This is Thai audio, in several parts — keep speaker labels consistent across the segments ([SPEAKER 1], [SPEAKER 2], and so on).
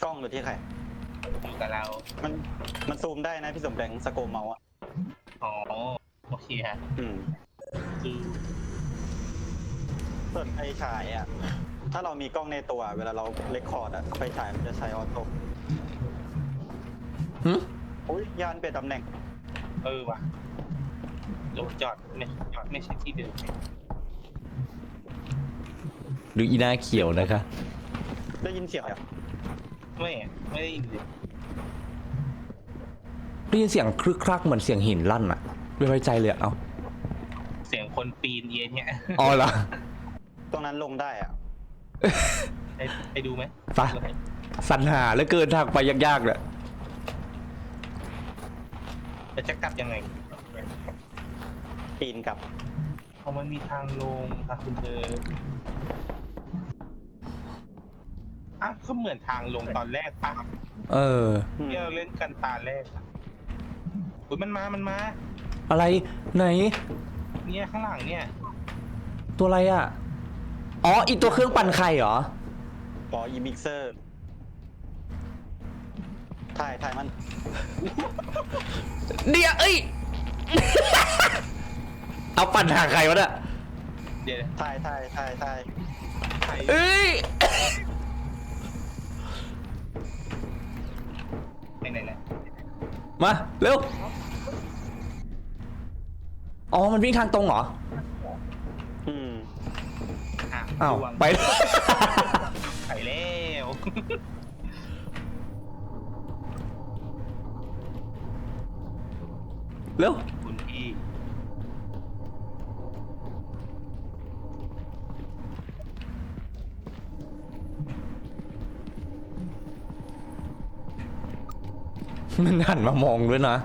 [SPEAKER 1] กล้องหรือที่ใคร
[SPEAKER 2] อยู่กับเรา
[SPEAKER 1] มันมันซูมได้นะพี่สมแดงสโกมเมาส์อ่ะ
[SPEAKER 2] อ๋อโอเคฮะคือ
[SPEAKER 1] ส่วนไฟฉายอ่ะถ้าเรามีกล้องในตัวเวลาเราเรคคอร์ดอ่ะไฟฉายมันจะใช้ออโต้อุ้ยยานเปลี่ยนตำแหน่ง
[SPEAKER 2] ว่ะรถจอดไม่ใช่ที่เดิม
[SPEAKER 3] ดูอีหน้าเขียวนะคะ
[SPEAKER 1] ได้ยินเสียงอ่ะ
[SPEAKER 2] ไม่ได้ยินเลย
[SPEAKER 3] ได้ยินเสียงครึกครักเหมือนเสียงหินลั่นอะไม่ไว้ใจเลยเอา
[SPEAKER 2] เสียงคนปีนเย็นเนี่ย
[SPEAKER 3] อ๋อเหรอ
[SPEAKER 1] ตรงนั้นลงได้อ่ะ
[SPEAKER 2] ไปดูไหม
[SPEAKER 3] ไปสรรหาแล้วเกินทางไปยากๆเลย
[SPEAKER 2] จะกลับยังไง
[SPEAKER 1] ปีนกลับ
[SPEAKER 2] เพราะมันมีทางลงค่ะคุณเธอก็เหมือนทางลงตอนแรกป่ะที่เราเล่นกันตาแรกอุ้ยมันมา
[SPEAKER 3] อะไรไหน
[SPEAKER 2] เนี่ยข้างหลังเนี่ย
[SPEAKER 3] ตัวอะไรอ่ะอ๋ออีตัวเครื่องปั่นไข่เหรอ
[SPEAKER 1] ต่ออีมิกเซอร์ถ่ายมัน
[SPEAKER 3] เดี๋ยวเอ้ย เอาปั่นหาใครวะเนี่ย
[SPEAKER 2] เดี๋ยว
[SPEAKER 1] ถ่าย
[SPEAKER 3] เอ้ย
[SPEAKER 2] ไปไหนแหละ
[SPEAKER 3] มาเร็วอ๋อมันวิ่งทางตรงเหรออ้าวไป
[SPEAKER 2] ไปแล้ว
[SPEAKER 3] เร็ว
[SPEAKER 2] คุณพี่
[SPEAKER 3] มันหันมามองด้วยนะ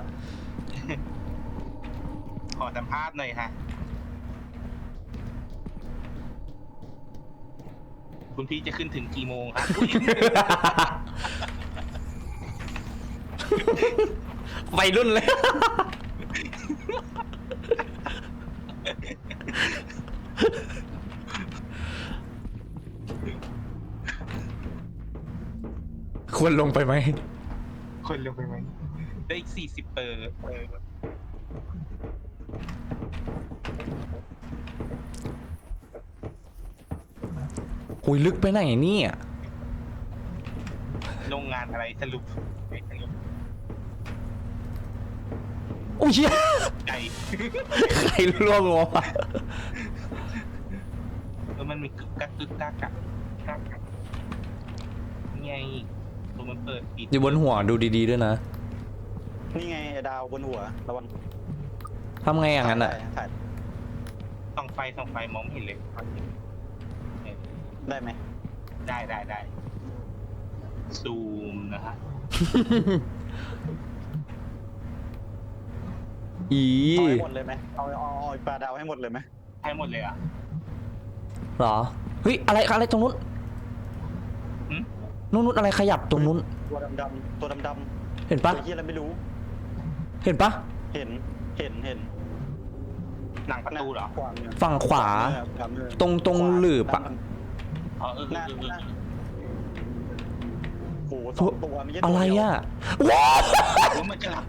[SPEAKER 2] ขอสัมภาษณ์หน่อยฮะคุณพี่จะขึ้นถึงกี่โมงครับ
[SPEAKER 3] ไปรุ่นเลยควรลงไปไหม
[SPEAKER 2] คนลงไปไหมได้อีก40เปอร์
[SPEAKER 3] คุยลึกไปไหนนี่
[SPEAKER 2] โรงงานอะไรสรุป
[SPEAKER 3] โอ้ย
[SPEAKER 2] ไก่
[SPEAKER 3] ใครล่วงลงมา
[SPEAKER 2] มันมีกึกกักไงตัวมันเปิดปิด
[SPEAKER 3] อยู่บนหัวดูดีๆด้วยนะ
[SPEAKER 1] นี่ไงดาวบนหัวระวัง
[SPEAKER 3] ทำไงอย่างนั้นอ่ะ
[SPEAKER 2] ส่องไฟมองไม่เห็นเลย
[SPEAKER 1] ได้ไหม
[SPEAKER 2] ได้ซูมนะฮะ
[SPEAKER 1] เอาให้หมดเลยไหมเอาปลาดาวให้หมดเลยไหม
[SPEAKER 2] ให้หมดเลยอ่ะ
[SPEAKER 3] หรอเฮ้ยอะไรตรงนู้นนู้นอะไรขยับตรงนู้น
[SPEAKER 1] ตัวดำ
[SPEAKER 3] เห็นปะ
[SPEAKER 1] ที่อะไรไม่รู้
[SPEAKER 3] เห็นปะ
[SPEAKER 1] เห็น
[SPEAKER 2] หนังประตูเหรอ
[SPEAKER 3] ฝั่งขวาตรงหลืบอะ
[SPEAKER 1] โอ้สองตัว
[SPEAKER 3] อะไรอ่ะ
[SPEAKER 1] ว้าว
[SPEAKER 2] มันจะ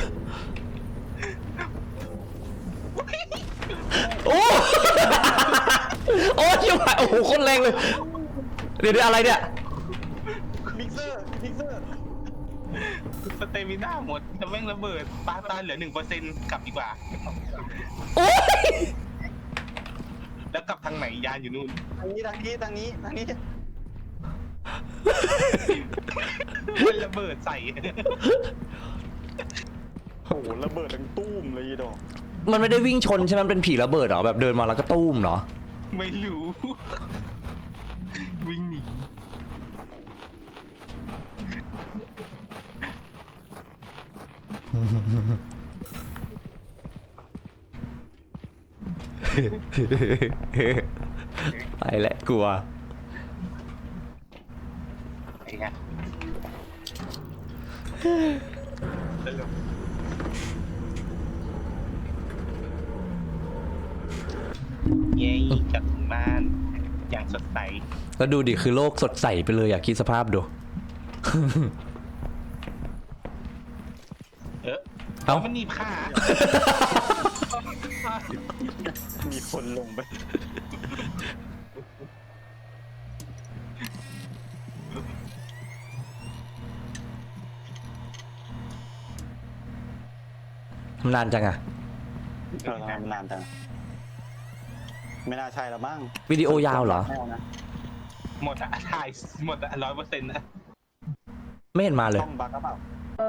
[SPEAKER 3] โอ้โอ้ชิบหายโอ้โหโคตรแรงเลยเดี๋ยวอะไรเนี่ย
[SPEAKER 1] มิกเซอร์
[SPEAKER 2] สเตมิน่าหมดจะแม่งระเบิดปาเหลือ 1% กลับดีกว่า
[SPEAKER 3] โอ้ย
[SPEAKER 2] แล้วกลับทางไหนยานอยู่นู่น
[SPEAKER 1] ทางนี้
[SPEAKER 2] มันระเบิดใส่
[SPEAKER 1] โอ้โหระเบิดดังตุ้มเลยดอก
[SPEAKER 3] มันไม่ได้วิ่งชนใช่ไหมมันเป็นผีระเบิดเหรอแบบเดินมาแล้วก็ตุ้มเหรอ
[SPEAKER 2] ไม่รู้วิ่งหนี
[SPEAKER 3] ไปแหละกลัว
[SPEAKER 2] ไอ้เงี้ยเย้กลับบ้านอย่างสดใส
[SPEAKER 3] แล้วดูดิคือโลกสดใสไปเลยอยากคิดสภาพดูเอ้า
[SPEAKER 2] มันหนีบขา
[SPEAKER 1] มีคนลงไป
[SPEAKER 3] มันนานจังอะ
[SPEAKER 1] ทำไมมันนานจังไม่น่าใช่แล้วมั้ง
[SPEAKER 3] วิดีโอยาวเหรอ
[SPEAKER 1] ไม่เอานะ
[SPEAKER 2] หมดอะถ่ายหมดอะ100%นะ
[SPEAKER 3] ไม่เห็นมาเลย
[SPEAKER 1] ต้องบักหรือเปล่า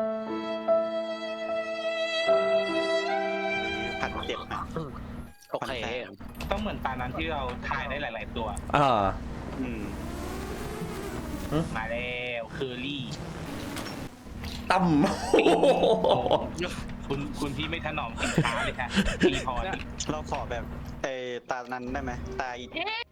[SPEAKER 1] ผัดเจ็บนะ
[SPEAKER 4] โอเค
[SPEAKER 2] ต้องเหมือนตานั้นที่เราถ่ายได้หลาย ๆ ตัว
[SPEAKER 3] อ่า
[SPEAKER 1] อืม
[SPEAKER 2] มาแล้วเคอรี่
[SPEAKER 3] ตั้ม
[SPEAKER 2] คุณพี่ไม่ถนอมสินค้าเลยค่ะมีพอนี่
[SPEAKER 1] เราขอแบบไอ้ตานั้นได้ไหมตาอี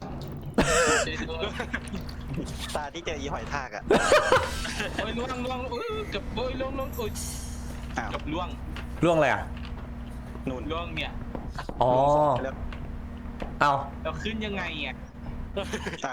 [SPEAKER 1] ตาที่เจออีหอยทากอ่ะ
[SPEAKER 2] โอ้ยล่วงกับโอ้ยล่วงโอ้ย
[SPEAKER 1] อ้าว
[SPEAKER 2] กับล่วง
[SPEAKER 3] ล่วงอะไรอ่ะ
[SPEAKER 1] นู่น
[SPEAKER 2] ล่วงเนี่ย
[SPEAKER 3] อ๋อ
[SPEAKER 1] แล้ว
[SPEAKER 3] เอา
[SPEAKER 2] เราขึ้นยังไงอ่ะ
[SPEAKER 1] อ้าว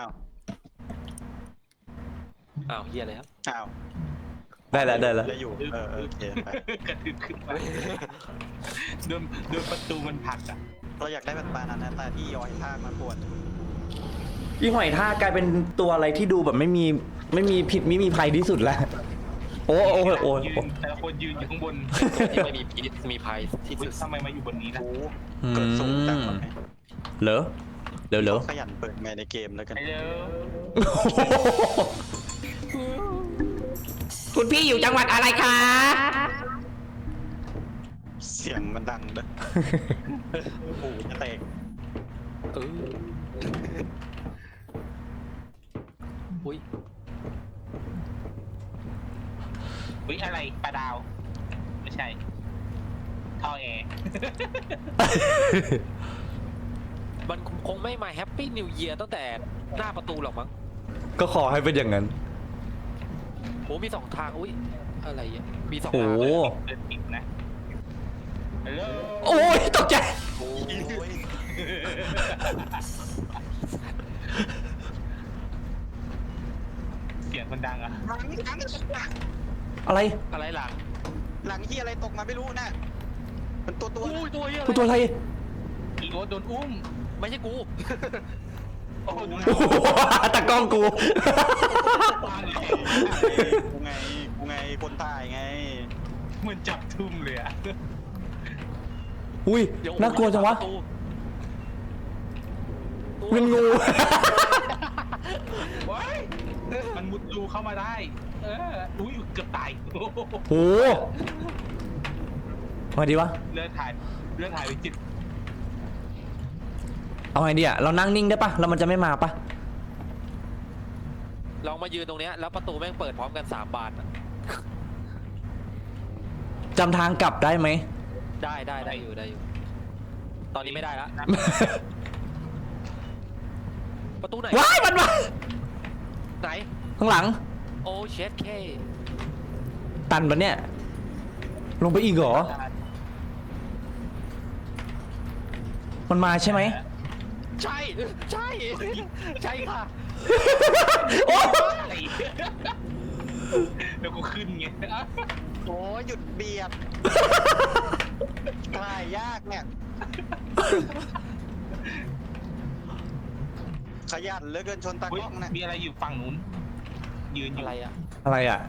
[SPEAKER 4] อ้าวเฮียแล้ว
[SPEAKER 1] อ้าว
[SPEAKER 3] ได้แล้วได้แล้ว
[SPEAKER 1] แล้วอยู่โอเคไป
[SPEAKER 2] กระดึบขึ้นมาโดนประตูมันผลักอ่ะ
[SPEAKER 1] เราอยากได้แบบตานั้นนะตาที่ยอยทากมาปวด
[SPEAKER 3] อีหอยทากกลายเป็นตัวอะไรที่ดูแบบไม่มีผิดไม่มีภัยที่สุดแล้ว โอ้โอ้โอ้
[SPEAKER 2] ยืนแต่ละคนยืนอยู่ข้างบน
[SPEAKER 4] ที่ไม่มีพิษมีภัยที่
[SPEAKER 2] อุ๊
[SPEAKER 4] สุ
[SPEAKER 2] ย
[SPEAKER 4] ด
[SPEAKER 2] ทำไมมาอยู่บนนี้นะ
[SPEAKER 1] โอ้เกิดสูงจังเลย
[SPEAKER 3] เหรอเร็ว
[SPEAKER 1] ขยันเปิดไมค์ในเกมแล้วกัน
[SPEAKER 2] ไอ้เด้อ
[SPEAKER 3] คุณพี่อยู่จังหวัดอะไรคะ
[SPEAKER 1] เสียงมันดังเด้อหูจะแตก
[SPEAKER 4] เอออุ้ย
[SPEAKER 2] อุ๊ยอะไรปลาดาว ไม่ใช่ท่อแอร์
[SPEAKER 4] มันคงไม่มาแฮปปี้นิวเยียร์ตั้งแต่หน้าประตูหรอกมั้ง
[SPEAKER 3] ก็ขอให้เป็นอย่างนั้น
[SPEAKER 4] โอ้มี2 ทางอุ้ยอะไรอ่ะมี2
[SPEAKER 3] โอ้
[SPEAKER 4] ทางเลย
[SPEAKER 2] เดินปิดนะฮัลโหล
[SPEAKER 3] โอ้ยตกใจ
[SPEAKER 4] โอ้ย
[SPEAKER 2] เสียงคนดังอ่ะ
[SPEAKER 1] หลัง
[SPEAKER 3] อะไร
[SPEAKER 4] อะไรหลัง
[SPEAKER 1] หลังที่อะไรตกมาไม่รู้นะมันตัว
[SPEAKER 4] อุ้ยตัวเฮีย
[SPEAKER 3] กูตัวอะไร
[SPEAKER 2] อีโอตโดนอุ้ม
[SPEAKER 4] ไม่ใช่กู
[SPEAKER 2] โอ้โห
[SPEAKER 3] โอ้โหตะกล้องกู
[SPEAKER 1] กูไงคนตายไง
[SPEAKER 2] เหมือนจับทุ่มเลยอ่ะ
[SPEAKER 3] อุ้ย
[SPEAKER 4] เดี๋ยว
[SPEAKER 3] น่ากลัวจังวะ
[SPEAKER 4] ประตู
[SPEAKER 3] เป็นงู
[SPEAKER 2] ว้ายมันมุดรูเข้ามาได้ อุ้ยเกือบตาย
[SPEAKER 3] โหมาดีวะ
[SPEAKER 2] เลื่อนถ่ายไปจิต
[SPEAKER 3] เอาไงดีอะเรานั่งนิ่งได้ปะแล้วมันจะไม่มาปะ
[SPEAKER 4] ลองมายืนตรงเนี้ยแล้วประตูแม่งเปิดพร้อมกัน3 บานอะ
[SPEAKER 3] จำทางกลับได้ไหม
[SPEAKER 4] ได้อยู่ ตอนนี้ไม่ได้ละ ประตูไหน
[SPEAKER 3] ว้ายมันมา
[SPEAKER 4] ไหน
[SPEAKER 3] ข้างหลัง
[SPEAKER 4] โอ้เชดเค
[SPEAKER 3] ตันปะเนี่ย ลงไปอีกเหรอ มันมาใช่ไหม
[SPEAKER 4] ใช่ค่ะ
[SPEAKER 3] โอ้
[SPEAKER 2] อะไรแล้วกูขึ้นไง
[SPEAKER 1] โอ้หยุดเบียดถ่ายยากเนี่ยขยันเหลือเกินชนตาก
[SPEAKER 2] อุ๊ย
[SPEAKER 1] ล้องนะ
[SPEAKER 2] มีอะไรอยู่ฝั่งนู้น ยืนอยู่
[SPEAKER 4] อะไรอะ
[SPEAKER 3] อะไรอะ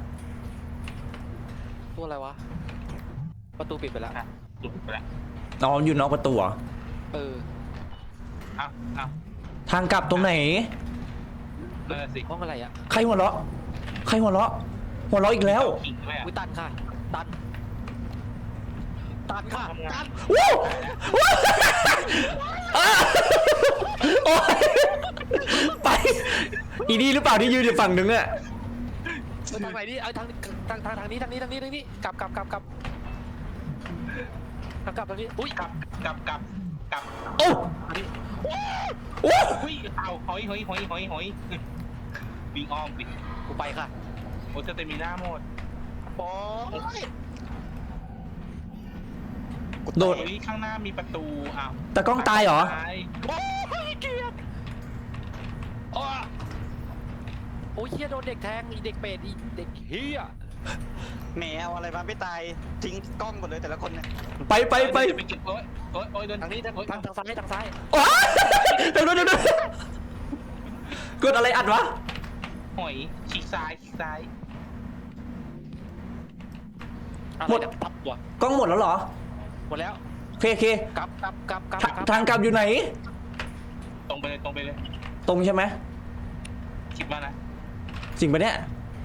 [SPEAKER 4] ตัวอะไรวะ ประตูปิดไปแล้ว
[SPEAKER 2] อ่ะหลุดไปแล้ว
[SPEAKER 3] อ๋ออยู่นอกประตูเหรอ
[SPEAKER 4] เออ
[SPEAKER 2] เอ้า
[SPEAKER 3] ทางกลับตรงไหน
[SPEAKER 2] นั่นนะสิ
[SPEAKER 4] ห้องอะไรอะ
[SPEAKER 3] ใครหัวเราะ หัวเราะอีกแล้ว
[SPEAKER 2] ขิงด้วยอ่ะ
[SPEAKER 4] วิตันค่ะ ตันค่ะ
[SPEAKER 2] ทำงาน
[SPEAKER 3] วู้วู้อ่ะโอ๊ยไปอีนี่หรือเปล่าที่ยืนอยู่ฝั่งนึงอะ
[SPEAKER 4] ทางไหนดิเอาทางนี้กลับทางนี้ทางนี้ทางนี้อุ้ย
[SPEAKER 2] กลับ
[SPEAKER 3] โอ้
[SPEAKER 4] อันนี้
[SPEAKER 3] โอ้
[SPEAKER 2] อุ้ยเอาหอยวิ่งอ้อมปิด
[SPEAKER 4] กูไปค่ะ
[SPEAKER 2] โอ้จะเตมีหน้าหมด
[SPEAKER 4] โอ้ย
[SPEAKER 3] โดด
[SPEAKER 2] เฮ้ยข้างหน้ามีประตูอ้าว
[SPEAKER 3] ตะกล้องตายเหรอ
[SPEAKER 2] ตาย
[SPEAKER 4] โอ้ยเกลียดอ้ออ้ยเฮียโดนเด็กแทงอีเด็กเป็ดอีเด็กเฮีย
[SPEAKER 1] แหมเอาอะไรมาไม่ตายทิ้งกล้องหมดเลยแต่ละคนเนี่ย
[SPEAKER 3] ไป
[SPEAKER 2] ไปเก็บโอ้ยโดน
[SPEAKER 4] ทางนี้ทางซ้ายทางซ้าย
[SPEAKER 3] โอ๊ยเดี๋ยวกดอะไรอัดวะ
[SPEAKER 2] หอยฉีกซ้าย
[SPEAKER 3] หมด
[SPEAKER 4] ตับว่ะ
[SPEAKER 3] กล้องหมดแล้วเหรอ
[SPEAKER 4] หมดแล้ว
[SPEAKER 3] โอเค
[SPEAKER 4] กลับ
[SPEAKER 3] ทางกลับอยู่ไหน
[SPEAKER 2] ตรงไปเลย
[SPEAKER 3] ตรงใช่ไหม
[SPEAKER 2] คิดว่านะ
[SPEAKER 3] จริงปะเนี่ย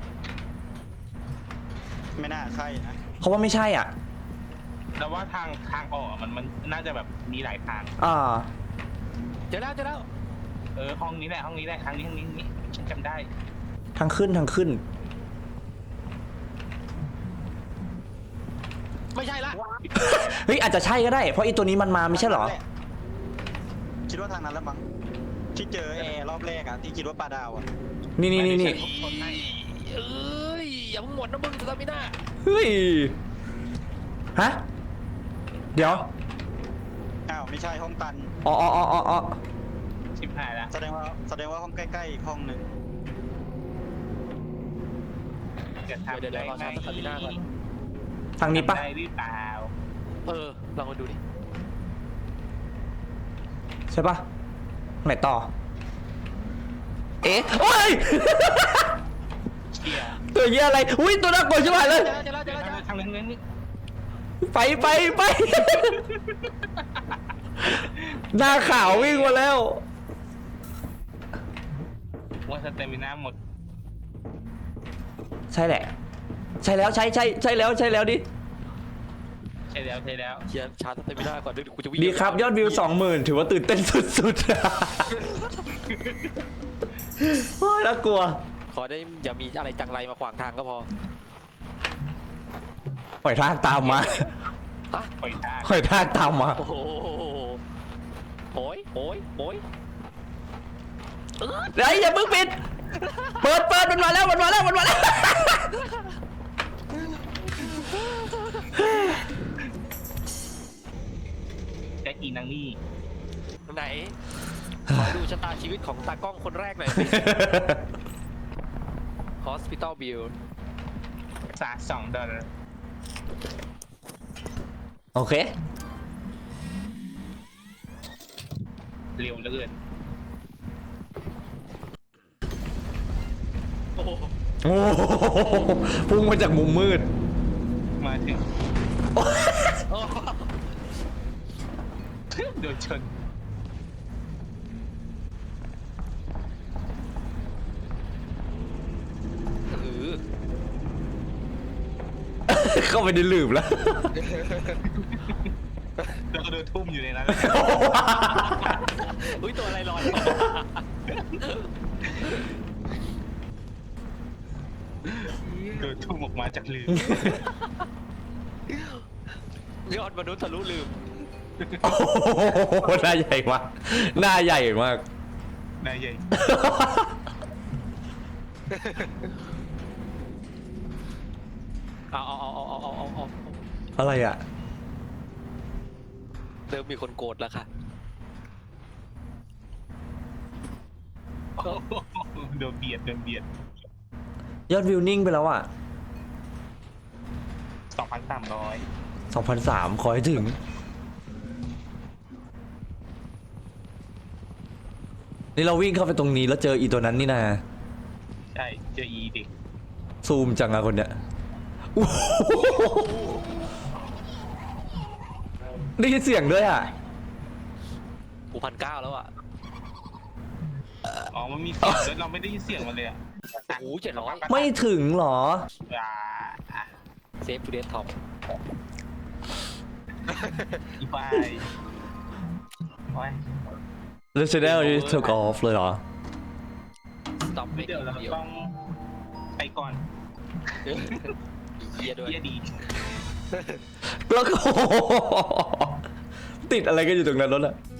[SPEAKER 1] ไม่น่าใช่นะ
[SPEAKER 3] เขาว่าไม่ใช่อ่ะ
[SPEAKER 2] แต่ว่าทางออกมันน่าจะแบบมีหลายทาง
[SPEAKER 4] เจอแล้ว
[SPEAKER 2] ห้องนี้แหละทางนี้ฉันจำได้
[SPEAKER 3] ทางขึ้น
[SPEAKER 4] ไม่ใช่ละ
[SPEAKER 3] เฮ้ยอาจจะใช่ก็ได้ เพราะไอีตัวนี้มันมาไม่ใช่เหรอ
[SPEAKER 1] คิดว่าทางนั้นแล้วมั้งที่เจอแอร์รอบแรกอะที่คิดว่าปลาดาวอะ
[SPEAKER 3] นี่
[SPEAKER 4] เอ้ยอย่าเพิ่งหมดนะมึงสตามิน่า
[SPEAKER 3] เฮ้ย ฮะ เดี๋ยว
[SPEAKER 1] อ้าวไม่ใช่ห้องตัน
[SPEAKER 3] อ๋อ
[SPEAKER 2] ชิบหายแล้ว
[SPEAKER 1] แสดงว่าห้องใกล้ๆอีกห้องหนึ่ง
[SPEAKER 2] เกิดทำ
[SPEAKER 4] เดี๋ยวเราชาร์จสตามิน่าก่อน
[SPEAKER 3] ทางนี้ปะ
[SPEAKER 2] ได้หรือเปล่า
[SPEAKER 4] ลองมาดูดิ
[SPEAKER 3] ใช่ปะไหนต่อ เอ๊ะโอ้ย
[SPEAKER 2] เชี่ย
[SPEAKER 3] ตัวเหี้ยอะไร อุ้ยตัวน่ากลัวใช่ไหมเลย
[SPEAKER 4] เจอแล้ว
[SPEAKER 2] ทางนั้นนี่
[SPEAKER 3] ไป หน้าขาววิ่งมาแล้ว
[SPEAKER 2] ว่าสเตมิน่าหมด
[SPEAKER 3] ใช่แหละ ใช่แล้วใช่แล้วดิ
[SPEAKER 2] ใช่แล้ว
[SPEAKER 4] เชียร์ชาร์จสตามิน่าก่อนเดี๋ยวกูจะวิ่ง
[SPEAKER 3] ดีครับยอดวิว 20,000 ถือว่าตื่นเต้นสุดๆ โอ้ยน่ากลัว
[SPEAKER 4] ขอได้อย่ามีอะไรจังไรมาขวางทางก็พอ
[SPEAKER 3] หอยทากตามมา
[SPEAKER 4] ฮะ
[SPEAKER 2] ปล่อยทาง
[SPEAKER 3] หอยทากตามมา
[SPEAKER 4] โอ้โหโอ้ย
[SPEAKER 3] เดี๋ยวอย่าเพิ่งปิด เปิดมันมาแล้ว
[SPEAKER 2] แจ็คอีนางนี่
[SPEAKER 4] ไหนขอดูชะตาชีวิตของตากล้องคนแรกหน่อยสิ Hospital Bill
[SPEAKER 2] $2
[SPEAKER 3] โอเค
[SPEAKER 2] เร็วเหลือเกิน
[SPEAKER 4] โอ้โห
[SPEAKER 3] โอ้โหพุ่งมาจากมุมมืด
[SPEAKER 2] มาถึงโดนชน
[SPEAKER 3] เข้าไปในหลืบแล้ว
[SPEAKER 2] แล้วก็โดนทุ่มอยู่ในนั้น
[SPEAKER 4] อุ้ยตัวอะไรลอย
[SPEAKER 2] โดนทุ่มออกมาจากลืม
[SPEAKER 4] ยอดมนุษย์ทะลุลืม
[SPEAKER 3] โอ้โหหน้าใหญ่มาก หน้าใหญ่มาก
[SPEAKER 2] นายใหญ่
[SPEAKER 4] เอา
[SPEAKER 3] อะไรอ่ะ
[SPEAKER 4] เริ่มมีคนโกรธแล้วค่ะ
[SPEAKER 2] โดนเบียด
[SPEAKER 3] ยอดวิวนิ่งไปแล้วอ่ะ
[SPEAKER 2] 2,300
[SPEAKER 3] 2,300 ขอให้ถึง นี่เราวิ่งเข้าไปตรงนี้แล้วเจออีตัวนั้นนี่นะ
[SPEAKER 2] ใช่เจออีเด็ก
[SPEAKER 3] ซูมจังอะคนเนี้ยโอ้โหได้ยินเสียงด้วยอ่ะ
[SPEAKER 4] กู1,900แล้วอ่ะ
[SPEAKER 2] อ๋อมันมีเสียงด้วยเราไม่ได้ยินเสียงมันเลยอ่ะ
[SPEAKER 4] โอ้โห700
[SPEAKER 3] ไม่ถึงเหรอ
[SPEAKER 4] เซฟทูเดสท็อป
[SPEAKER 2] อีไฟโอ้ย
[SPEAKER 3] The channel is took off เลยเหรอ
[SPEAKER 4] สต็อปไม่
[SPEAKER 2] เดี๋ยวเราต้องไปก่อน
[SPEAKER 4] เฮียด้วย
[SPEAKER 2] เยี่ยดี
[SPEAKER 3] แล้วก็ ติดอะไรกันอยู่ตรงนั้นรถอะ